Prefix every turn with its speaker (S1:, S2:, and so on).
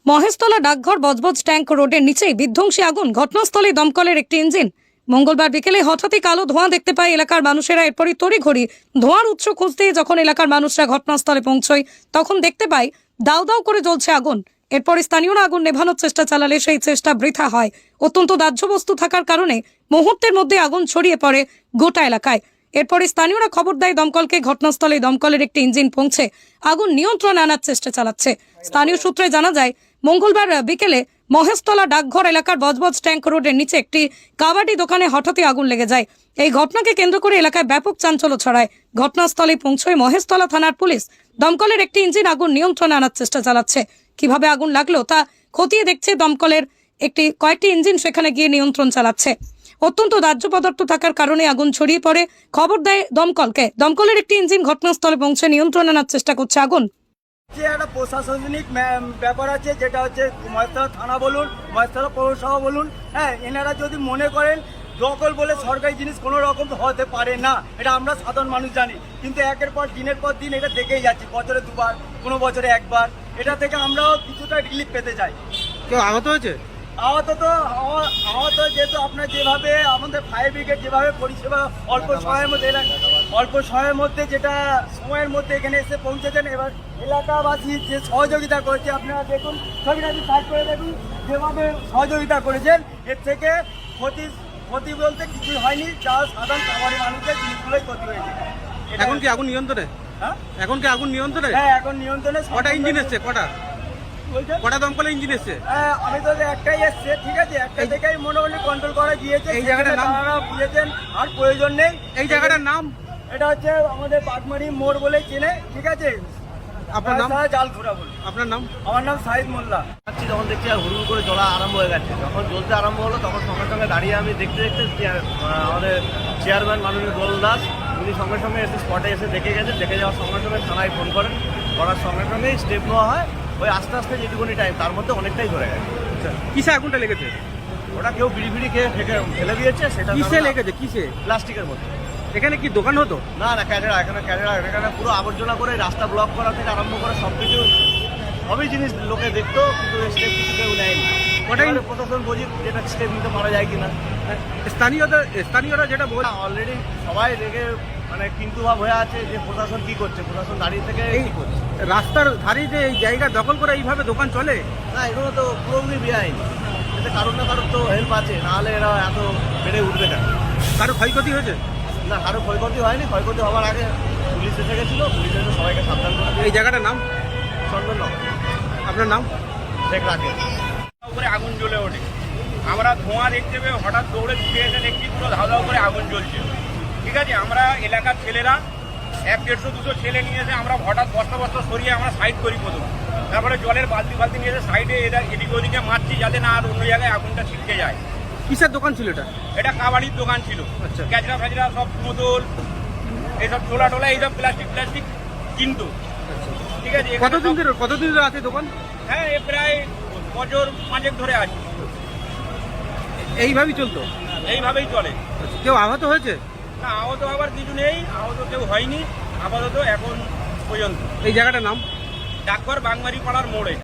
S1: মহেশতলা ডাকঘর বজবজ ট্যাঙ্ক রোডের নিচেই বিধ্বংসী আগুন, ঘটনাস্থলে দমকলের একটি ইঞ্জিন। মঙ্গলবার বিকেলে হঠাৎই কালো ধোঁয়া দেখতে পায় এলাকার মানুষেরা। এরপরই তড়িঘড়ি ধোঁয়ার উৎস খুঁজতে যখন এলাকার মানুষরা ঘটনাস্থলে পৌঁছয়, তখন দেখতে পায় দাউ দাউ করে জ্বলছে আগুন। এরপর স্থানীয়রা আগুন নেভানোর চেষ্টা চালালে সেই চেষ্টা বৃথা হয়। অত্যন্ত দাহ্য বস্তু থাকার কারণে মুহূর্তের মধ্যে আগুন ছড়িয়ে পড়ে গোটা এলাকায়। এরপরে স্থানীয়রা খবর দেয় দমকলকে। ঘটনাস্থলে দমকলের একটি ইঞ্জিন পৌঁছে আগুন নিয়ন্ত্রণে আনার চেষ্টা চালাচ্ছে। স্থানীয় সূত্রে জানা যায়, মঙ্গলবার বিকেলে মহেশতলা ডাকঘর এলাকার বজবজ ট্যাঙ্ক রোডের নিচে একটি কাবাডি দোকানে হঠাৎই আগুন লেগে যায়। এই ঘটনাকে কেন্দ্র করে এলাকায় ব্যাপক চাঞ্চল্য ছড়ায়। ঘটনাস্থলে পৌঁছয় মহেশতলা থানার পুলিশ। দমকলের একটি ইঞ্জিন আগুন নিয়ন্ত্রণে আনার চেষ্টা চালাচ্ছে। কিভাবে আগুন লাগলো তা খতিয়ে দেখছে দমকলের কয়েকটি ইঞ্জিন, সেখানে গিয়ে নিয়ন্ত্রণ চালাচ্ছে। অত্যন্ত দাহ্য পদার্থ থাকার কারণে আগুন ছড়িয়ে পড়ে। খবর দেয় দমকলকে। দমকলের একটি ইঞ্জিন ঘটনাস্থলে পৌঁছে নিয়ন্ত্রণ আনার চেষ্টা করছে আগুন।
S2: যে একটা প্রশাসনিক ব্যাপার আছে, যেটা হচ্ছে মহেশতলা থানা বলুন, মহেশতলা পৌরসভা বলুন, হ্যাঁ, এনারা যদি মনে করেন দখল বলে সরকারি জিনিস কোনো রকম হতে পারে না, এটা আমরা সাধারণ মানুষ জানি। কিন্তু একের পর দিনের পর দিন এটা দেখেই যাচ্ছি, বছরে দুবার, কোনো বছরে একবার। এটা থেকে আমরাও কিছুটা রিলিফ পেতে চাই।
S3: কেউ আহত হয়েছে?
S2: আহত যেহেতু আপনার যেভাবে আমাদের ফায়ার ব্রিগেড যেভাবে পরিষেবা অল্প সময়ের মধ্যে যেটা সময়ের মধ্যে এখানে এসে পৌঁছেছেন, এবার এলাকাবাসী যে সহযোগিতা করেছে আপনারা দেখুন, ছবিটা সাইড করে দেখুন, যেভাবে সহযোগিতা করেছেন, এর থেকে ক্ষতি বলতে কিছুই হয়নি। যা সাধারণ খাবারের মানুষের জিনিসগুলোই ক্ষতি হয়েছে।
S3: এখন কি আগুন নিয়ন্ত্রণে?
S2: হ্যাঁ,
S3: এখন কি আগুন নিয়ন্ত্রণে?
S2: হ্যাঁ, এখন নিয়ন্ত্রণে।
S3: কটা ইঞ্জিন এসছে? কটা দমকলের ইঞ্জিন এসছে?
S2: আমি তো একটাই এসছে, ঠিক আছে, একটা থেকেই মোটামুটি কন্ট্রোল করা গিয়েছে।
S3: এই জায়গাটার নাম
S2: বুঝেছেন, আর প্রয়োজন নেই।
S3: এই জায়গাটার নাম?
S2: এটা হচ্ছে আমাদের বাগমারি মোড় বলে চেনে, ঠিক আছে।
S3: আপনার নাম?
S2: জালখুড়া বলে।
S3: আপনার নাম?
S2: আমার নাম সাহিদ মোল্লা।
S4: যখন দেখছি হুড়ুর করে জ্বলা আরম্ভ হয়ে গেছে, যখন জ্বলতে আরম্ভ হলো তখন সঙ্গে সঙ্গে দাঁড়িয়ে আমি দেখতে আমাদের চেয়ারম্যান মাননীয় দোল দাস, উনি সঙ্গে সঙ্গে এসে স্পটে এসে দেখে গেছে। দেখে যাওয়ার সঙ্গে সঙ্গে থানায় ফোন করার সঙ্গে সঙ্গেই স্টেপ নেওয়া হয়। ওই আস্তে আস্তে যেটুকুনি টাইম, তার মধ্যে অনেকটাই ধরে গেছে।
S3: কিসে আগুনটা লেগেছে?
S4: ওটা কেউ বিড়ি খেয়ে ফেলে দিয়েছে। সেটা
S3: কিসে লেগেছে? কিসে?
S4: প্লাস্টিকের মধ্যে।
S3: এখানে কি দোকান হতো?
S4: না, এখানে পুরো আবর্জনা করে রাস্তা ব্লক করা থেকে আরম্ভ করে সব কিছু, সবই জিনিস লোকে দেখতো, কিন্তু স্টেপ কিছু কেউ নেয়নি। প্রশাসন বুঝি যেটা স্টেপ নিতে পারা যায় কিনা।
S3: স্থানীয়রা যেটা বলে,
S4: অলরেডি সবাই রেগে কিন্তু ভাব হয়ে আছে যে প্রশাসন কি করছে, প্রশাসন দাঁড়িয়ে থেকে কি করছে।
S3: রাস্তার ধারে যে এই জায়গা দখল করে এইভাবে দোকান চলে,
S4: না, এগুলো তো পুরোপুরি বেআইন। এতে কারোর না কারোর তো হেল্প আছে, নাহলে এরা এত বেড়ে উঠবে কেন?
S3: কারো ক্ষয়ক্ষতি হয়েছে?
S4: না, কারো ক্ষয়ক্ষতি হয়নি। ক্ষয়ক্ষতি হওয়ার আগে পুলিশ এসে গেছিল, পুলিশ এসে সবাইকে সাবধান করে।
S3: এই জায়গাটার নাম?
S4: চন্দননগর।
S3: আপনার নাম?
S4: শেখ রাকেশ।
S5: উপরে আগুন জ্বলে ওঠে, আমরা ধোঁয়া দেখতে পেয়ে হঠাৎ দৌড়ে ছুটে এসে দেখছি পুরো ধাউ ধাউ করে আগুন জ্বলছে। ঠিক আছে, আমরা এলাকার ছেলেরা 100-150 ছেলে নিয়ে এসে আমরা হঠাৎ বস্তা সরিয়ে আমরা সাইড করি প্রথম। তারপরে জলের বালতি নিয়ে এসে সাইডে এদিকে ওদিকে মারছি, যাতে না আর অন্য জায়গায় আগুনটা ছিটকে যায়।
S3: কিসের দোকান ছিল এটা?
S5: এটা কাবাডির দোকান ছিল।
S3: আচ্ছা।
S5: ক্যাচরা ফ্যাচরা সব বোতল, এইসব টোলা এইসব প্লাস্টিক কিনতো। ঠিক আছে।
S3: কতদিন ধরে আছে দোকান?
S5: হ্যাঁ, এ প্রায় বছর 5 ধরে আছে।
S3: এইভাবেই চলতো?
S5: এইভাবেই চলে।
S3: কেউ আহত হয়েছে?
S5: না, আহত হবার কিছু নেই, আহত কেউ হয়নি আপাতত এখন পর্যন্ত।
S3: এই জায়গাটার নাম?
S5: ডাকঘর বাগমারি পাড়ার মোড়ে।